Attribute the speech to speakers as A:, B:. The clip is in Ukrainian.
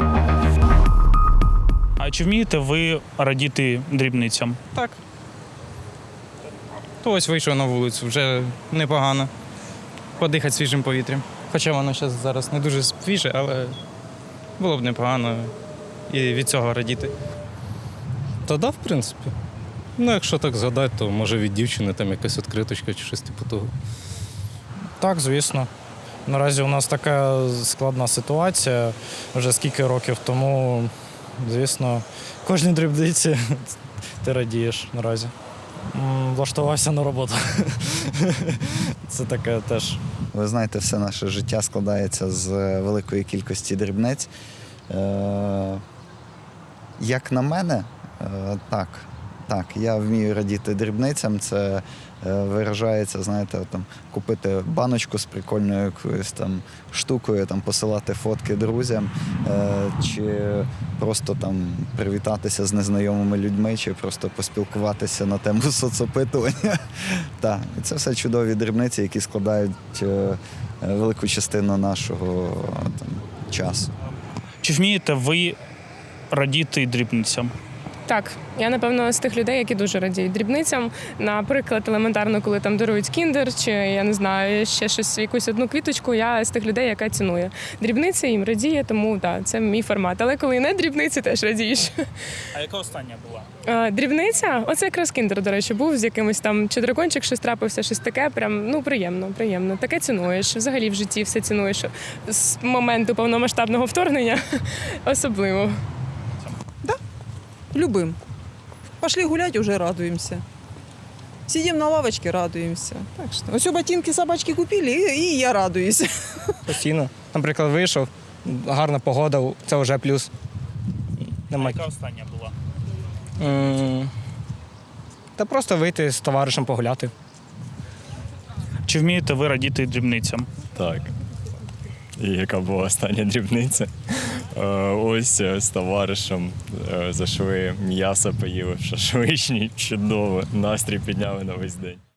A: А чи вмієте ви радіти дрібницям?
B: Так. То ось вийшов на вулицю, вже непогано. Подихати свіжим повітрям. Хоча воно зараз не дуже свіже, але було б непогано і від цього радіти.
C: Та да, в принципі. Ну, якщо так згадати, то може від дівчини там якась відкриточка чи щось типу того.
D: Так, звісно. Наразі у нас така складна ситуація вже скільки років, тому, звісно, кожній дрібниці ти радієш наразі. Влаштувався на роботу. Це таке теж.
E: Ви знаєте, все наше життя складається з великої кількості дрібниць. Як на мене, так. Так, я вмію радіти дрібницям. Це виражається, знаєте, там, купити баночку з прикольною якоюсь там штукою, там, посилати фотки друзям, чи просто там привітатися з незнайомими людьми, чи просто поспілкуватися на тему соцопитування. Так, і це все чудові дрібниці, які складають велику частину нашого там, часу.
A: Чи вмієте ви радіти дрібницям?
F: Так, я, напевно, з тих людей, які дуже радіють дрібницям. Наприклад, елементарно, коли там дарують кіндер, чи, я не знаю, ще щось, якусь одну квіточку, я з тих людей, яка цінує. Дрібниці їм радіє, тому так, це мій формат. Але коли не дрібниці, теж радієш.
A: А яка остання була?
F: Дрібниця? Оце якраз кіндер, до речі, був з якимось там, чи дракончик, щось трапився, щось таке, прям, ну, приємно. Таке цінуєш, взагалі в житті все цінуєш. З моменту повномасштабного вторгнення особливо.
G: Любым. Пошли гулять, уже радуемся. Сидим на лавочке, радуемся. Так что, все ботинки собачки купили, и я радуюсь.
B: Постійно. Наприклад, вийшов, гарна погода, це вже плюс.
A: А яка остання була?
B: Та просто вийти з товаришем погуляти.
A: Чи вмієте ви радіти дрібницям?
H: Так. І яка була остання дрібниця? Ось з товаришем зайшли, м'ясо поїли в шашличній, чудово, настрій підняли на весь день.